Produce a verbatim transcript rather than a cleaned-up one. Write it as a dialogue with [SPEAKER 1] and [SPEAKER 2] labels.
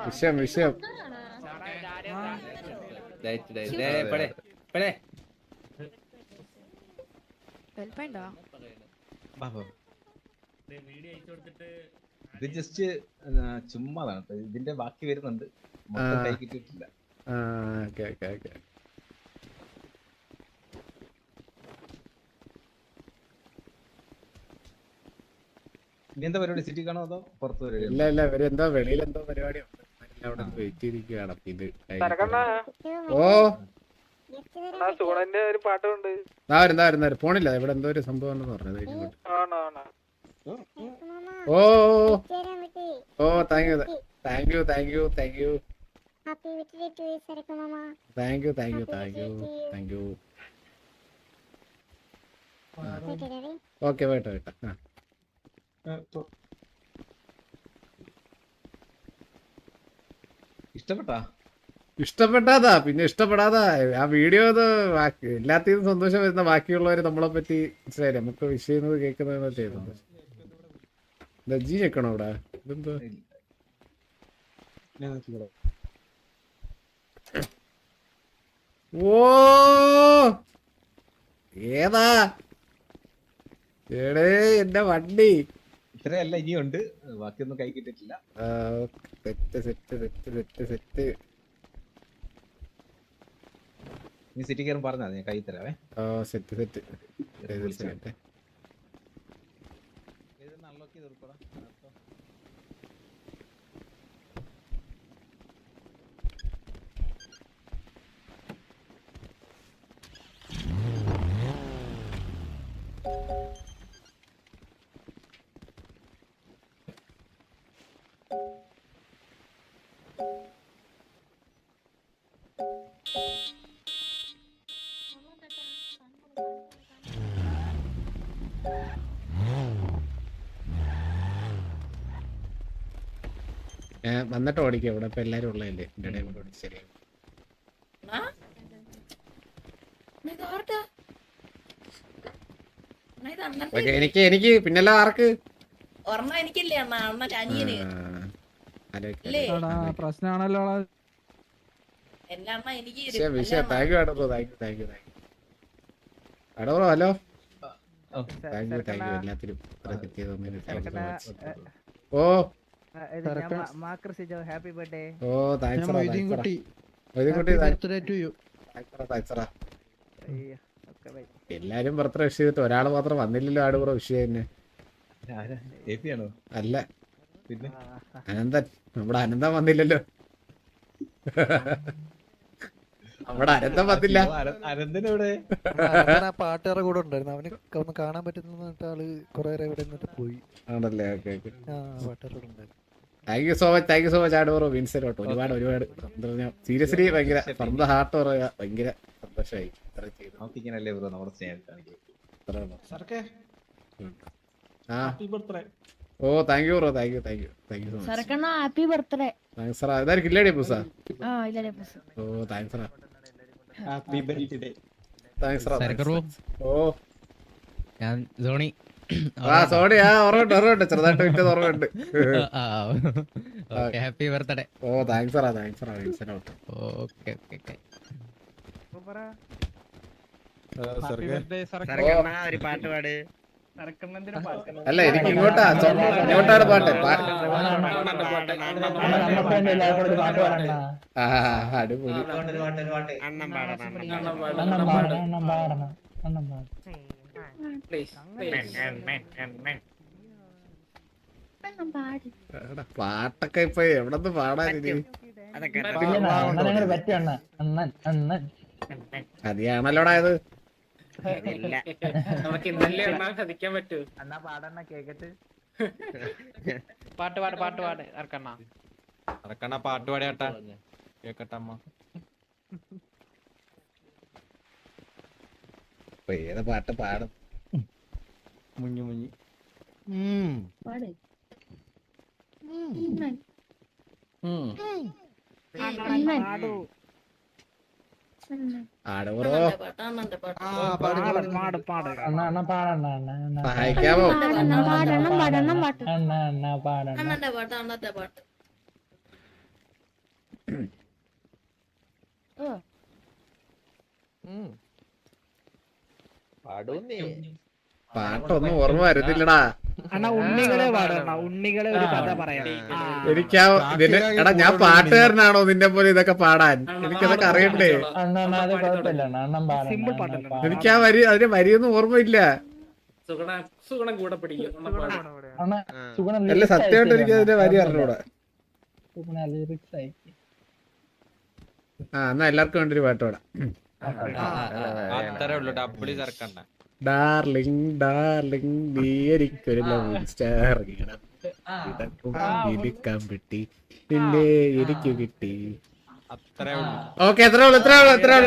[SPEAKER 1] വിഷയം വിഷയം
[SPEAKER 2] ഇത് ജസ്റ്റ് ചുമ്മാതാണ്. ഇതിന്റെ ബാക്കി വരുന്നുണ്ട്. കൈ കിട്ടിയിട്ടില്ല. ഇനി എന്താ പരിപാടി? സിറ്റി കാണോ അതോ പുറത്ത് പരിപാടി?
[SPEAKER 1] ഇല്ല ഇല്ല ഇവര് എന്തോ വെളിയിൽ എന്തോ പരിപാടിയുണ്ട്. അവിടെ വെയിറ്റ് ചെയ്തിരിക്കുകയാണ്. ഇത് ഓ
[SPEAKER 3] ഒരു പാട്ടുണ്ട്.
[SPEAKER 1] ഫോണില്ല ഇവിടെ എന്തോ ഒരു സംഭവം ഉണ്ടെന്ന് പറഞ്ഞത്. Oh oh thank you thank you thank you thank you thank you thank you thank you thank you okay വേട്ട വേട്ട
[SPEAKER 2] ഇഷ്ടപ്പെട്ടാ?
[SPEAKER 1] ഇഷ്ടപ്പെട്ടാതാ പിന്നെ ഇഷ്ടപ്പെടാതാ. ആ വീഡിയോ ബാക്കി എല്ലാത്തിനും സന്തോഷം വരുന്ന ബാക്കിയുള്ളവര് നമ്മളെ പറ്റി മനസ്സിലായില്ലേ? നമുക്ക് വിഷ് ചെയ്യുന്നത് കേൾക്കുന്നത് ചെയ്യുന്നത്. ജി ഞെക്കണോ ഇവിടെ? ഇതെന്തോ ഓ ഏതാ എടേ എന്റെ വണ്ടി
[SPEAKER 2] ഇത്രയല്ല ഇനിയുണ്ട്. ബാക്കിയൊന്നും കൈ കിട്ടിട്ടില്ല.
[SPEAKER 1] Set set set set set
[SPEAKER 2] നീ സിറ്റി കയറും പറഞ്ഞാ ഞാൻ കൈ തരാവേ.
[SPEAKER 1] സെറ്റ് സെറ്റ്
[SPEAKER 2] അൺലോക്ക് ചെയ്ത് കൊടുക്കടാ.
[SPEAKER 1] വന്നിട്ട് ഓടിക്കാം. ഇവിടെ ഇപ്പൊ എല്ലാരും ഉള്ളതല്ലേ എന്റെ ഇടയിൽ കൊണ്ട് ഓടിച്ച് ശരിയാവും. എനിക്ക് എനിക്ക് പിന്നല്ല ആർക്ക്
[SPEAKER 3] പ്രശ്നമാണല്ലോ.
[SPEAKER 1] വിഷയം താങ്ക് യു ആടോ thank you thank you thank you ആടോ hello thank you thank you എല്ലാത്തിനും oh
[SPEAKER 3] happy birthday.
[SPEAKER 1] Oh thanks എല്ലാരും ബർത്ത്ഡേ വിഷ് ചെയ്തിട്ട് ഒരാള് മാത്രം വന്നില്ലല്ലോ. ആട് കൂടെ വിഷ് തന്നെ അല്ല
[SPEAKER 2] പിന്നെ
[SPEAKER 1] അനന്തൻ. നമ്മുടെ അനന്തൻ വന്നില്ലല്ലോ. നമ്മുടെ അനന്തൻ വന്നില്ല.
[SPEAKER 2] അനന്തനെവിടെ?
[SPEAKER 4] പാട്ടുകാരുടെ കൂടെ ഉണ്ടായിരുന്നു. അവന് ഒന്ന് കാണാൻ പറ്റുന്ന ആള് കൊറേ ഇവിടെ പോയി
[SPEAKER 1] ആണല്ലേ. ഓക്കെ ഓക്കെ
[SPEAKER 4] പാട്ടുകാരുടെ ഉണ്ടായിരുന്നു.
[SPEAKER 1] Thank you so much thank you so much ആടോറോ വിൻസെലോട്ടോ. ഒരുപാട് ഒരുപാട് സീരിയസ്ലി ഭയങ്കര ഫ്രം ദ ഹാർട്ട് പറയാ. ഭയങ്കര സന്തോഷമായി.
[SPEAKER 2] നമുക്കിങ്ങനല്ലേ ബ്രോ നമ്മുടെ സ്നേഹം കാണിക്കും.
[SPEAKER 1] Oh thank you bro thank you thank you thank you so much.
[SPEAKER 5] Happy birthday.
[SPEAKER 1] Thanks sir. ഇതായിരിക്കും ഇല്ലേ പൂസാ? Oh thanks sir.
[SPEAKER 2] Happy birthday.
[SPEAKER 1] Thanks sir. Oh
[SPEAKER 6] ഞാൻ സോണി.
[SPEAKER 1] ആ സോണി. ആ ഓർമ്മയുണ്ട് ഓർമ്മയുണ്ട് ചെറുതായിട്ട് വിറ്റത് ഓർമ്മയുണ്ട്.
[SPEAKER 6] Happy birthday.
[SPEAKER 1] ഓ താങ്ക്സ് സാറാ താങ്ക്സ് സാറാ വിൻസെലോട്ടോ.
[SPEAKER 6] ഓക്കെ ഓക്കെ ഓക്കെ
[SPEAKER 3] ഒരു പാട്ട് പാട്.
[SPEAKER 1] അല്ല എനിക്ക് ഇങ്ങോട്ടാ ഇങ്ങോട്ടാണ് പാട്ട്. ആ അടിപൊളി.
[SPEAKER 3] അണ്ണം പാടണം.
[SPEAKER 1] പാട്ടൊക്കെ ഇപ്പൊ എവിടെന്ന് പാടാൻ? അതിയാണല്ലോടായത്.
[SPEAKER 3] നമുക്ക് ഇന്നലെ ശ്രദ്ധിക്കാൻ പറ്റൂ. എന്നാ പാടണ കേക്കട്ട്. പാട്ട് പാട് പാട്ട് പാട് ഇറക്കണ്ണ
[SPEAKER 6] ഇറക്കണ്ണ പാട്ട് പാടിയാട്ടാ കേക്കട്ടമ്മ.
[SPEAKER 1] ഏതാ പാട്ട് പാടും?
[SPEAKER 6] മുഞ്ഞു മുഞ്ഞി
[SPEAKER 1] ആടോ സഹായിക്കാമോ? പാട്ടൊന്നും ഓർമ്മ വരുന്നില്ലടാ.
[SPEAKER 5] അണ്ണാ ഉണ്ണികളെ പാടണ ഉണ്ണികളെ ഒരു കഥ പറയാം. ആ.
[SPEAKER 1] എനിക്കാ ഇതിന് എടാ ഞാൻ പാട്ടുകാരനാണോ നിന്നെ പോലെ ഇതൊക്കെ പാടാൻ? എനിക്കതൊക്കെ അറിയണ്ടേ?
[SPEAKER 5] സിമ്പിൾ പാട്ടല്ലോ.
[SPEAKER 1] എനിക്ക് ആ വരി അതിന്റെ വരിയൊന്നും ഓർമ്മയില്ല.
[SPEAKER 3] സുഗുണം കൂടെ പിടിക്കും
[SPEAKER 1] അല്ല സത്യമായിട്ട് എനിക്ക് അതിന്റെ വരി അറിഞ്ഞൂടാ. ആ എന്നാ എല്ലാവർക്കും വേണ്ടി ഒരു പാട്ട് പാടാം.
[SPEAKER 6] അത്രേ ഉള്ളൂ, ഡബിളി ചേർക്കണ്ട.
[SPEAKER 1] ഡാർലിംഗ് ഡാർലിംഗ് നീ എനിക്കൊരു ലവ് സ്റ്റാർ ഇടക്കും കിട്ടി പിന്നെ എനിക്ക് കിട്ടി.
[SPEAKER 6] അത്രേ ഉള്ളൂ.
[SPEAKER 1] ഓക്കെ എത്ര ഉള്ളു എത്ര ഉള്ളു എത്ര